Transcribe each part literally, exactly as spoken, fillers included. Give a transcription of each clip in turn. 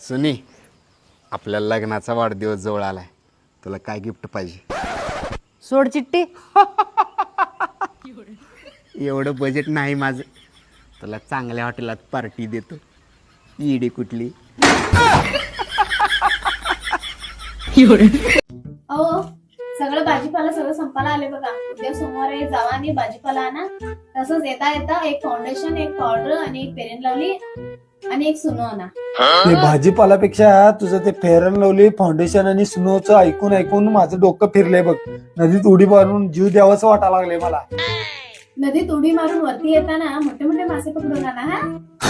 सुनी, आपल्या लग्नाचा वाढदिवस जवळ आलाय, तुला काय गिफ्ट पाहिजे? सोड चिट्टी. एवढं बजेट नाही माझं, तुला चांगल्या हॉटेलात पार्टी देतो. ईडी कुठली? अहो सगळं भाजीपाला सगळं संपायला आले बघा. उद्या सोमवारी जावा आणि भाजीपाला आणा. तसंच येता येता एक फाउंडेशन, एक पावडर आणि एक फेअर अँड लवली आणि एक सुनो आणा. ते भाजीपालापेक्षा तुझं ते फेअर अँड लवली फाउंडेशन आणि स्नोचं ऐकून ऐकून माझं डोकं फिरलंय बग. नदीत उडी मारून जीव द्यावाच वाटायला लागले मला. नदीत उडी मारून वरती येताना मोठे मोठे मासे पकडून आणा हा.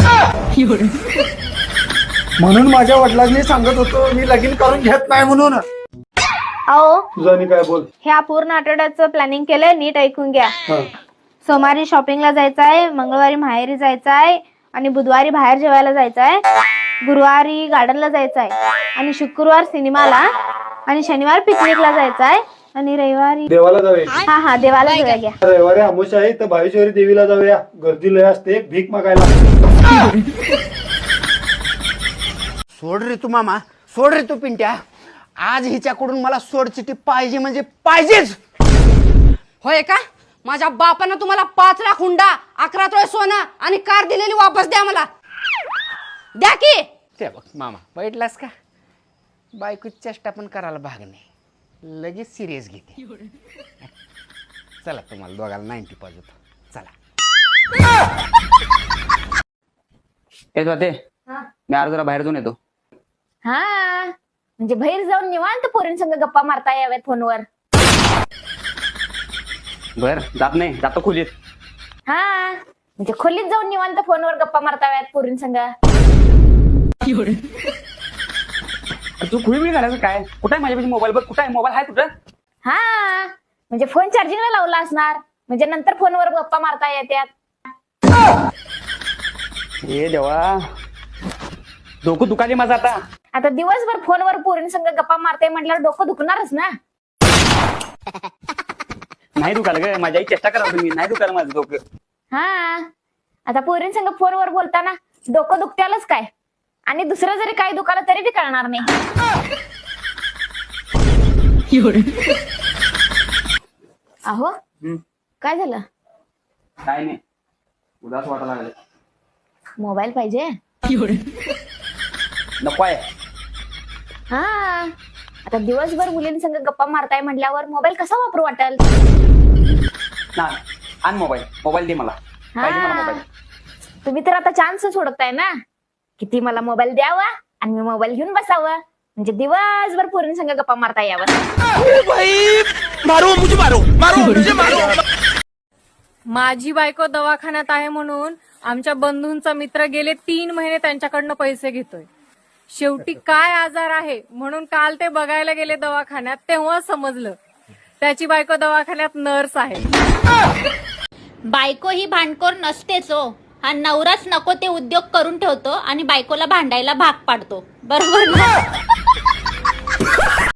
म्हणून माझ्या वडिलांनी सांगत होतो मी लगीन करून घेत नाही म्हणून. अहो तुझं काय बोल. ह्या पूर्ण आठवड्याचं प्लॅनिंग केलंय, नीट ऐकून घ्या. हा. सोमवारी शॉपिंगला जायचं आहे, मंगळवारी माहेरी जायचं आहे आणि बुधवारी बाहेर जेवायला जायचं आहे, गुरुवारी गार्डनला जायचं आहे आणि शुक्रवार सिनेमाला आणि शनिवार पिकनिकला जायचं आहे आणि रविवारी देवाला जाऊया. हा हा देवाला जाऊया घ्या. रविवारी आमोश आहे तर भावेश्वरी देवीला जाऊया. गर्दी लय असते, भीक मागायला. सोड रे तू मामा, सोड रे तू पिंट्या. आज हिच्याकडून मला सोड चिठी पाहिजे म्हणजे पाहिजेच. होय का? माझ्या बापानं तुम्हाला पाच लाख हुंडा, अकरा तोळे सोनं आणि कार दिलेली वापस द्या मला. द्या की. ते बघ मामा, बैठलास का? बायको चेष्टा पण करायला भाग नाही, लगेच सिरियस घेते. चला तुम्हाला दोघाला नाईन्टी पाहिजे होतं. चला. येत होते मी आज जरा बाहेर जाऊन येतो. हा म्हणजे बाहेर जाऊन निवांत पोरींसंग गप्पा मारता याव्यात फोनवर. बर जात नाही, जातो खोलीत. हा म्हणजे खोलीत जाऊन निवांत फोनवर गप्पा मारता याव्यात पोरींसंग. तू खुळी मी घालायचं काय? कुठे आहे माझ्यापाशी मोबाईल? बघ कुठे आहे मोबाईल? आहे कुठं? हा म्हणजे फोन चार्जिंगला लावला असणार, म्हणजे नंतर फोनवर गप्पा मारता येत्यात. ए देवा, डोकं दुखाली माझं आता. आता दिवसभर फोनवर पोरींसंग गप्पा मारताय म्हटल्यावर डोकं दुखणारच ना. नाही दुखाल ग, माझी आई चेष्टा करा तुम्ही. नाही दुखाल माझं डोकं. हा आता पोरींसंग फोनवर बोलताना डोकं दुखत्यालच काय, आणि दुसरं जरी काय दुखालं तरी बी कळणार नाही. अहो काय झालं? काय नाही, उदास वाटायला लागले. मोबाईल पाहिजे? नको आहे. हा आता दिवसभर मुलींसंग गप्पा मारताय म्हटल्यावर मोबाईल कसा वापरू वाटेल? ना आण मोबाईल. मोबाईल दे मला, पाहिजे मला मोबाईल. तुम्ही तर आता चान्स सोडताय ना, किती मला मोबाईल द्यावा आणि मी मोबाईल घेऊन बसावं, म्हणजे दिवसभर पोरींसंग गप्पा मारता यावं. माझी बायको दवाखान्यात आहे म्हणून आमच्या बंधूंचा मित्र गेले तीन महिने त्यांच्याकडनं पैसे घेतोय. शेवटी काय आजार आहे म्हणून काल ते बघायला गेले दवाखान्यात, तेव्हा समजलं त्याची बायको दवाखान्यात नर्स आहे. बायको ही भांडखोर नसतेच हो. हा नवराच नको ते उद्योग करून ठेवतो आणि बायकोला भांडायला भाग पाडतो. बरोबर ना?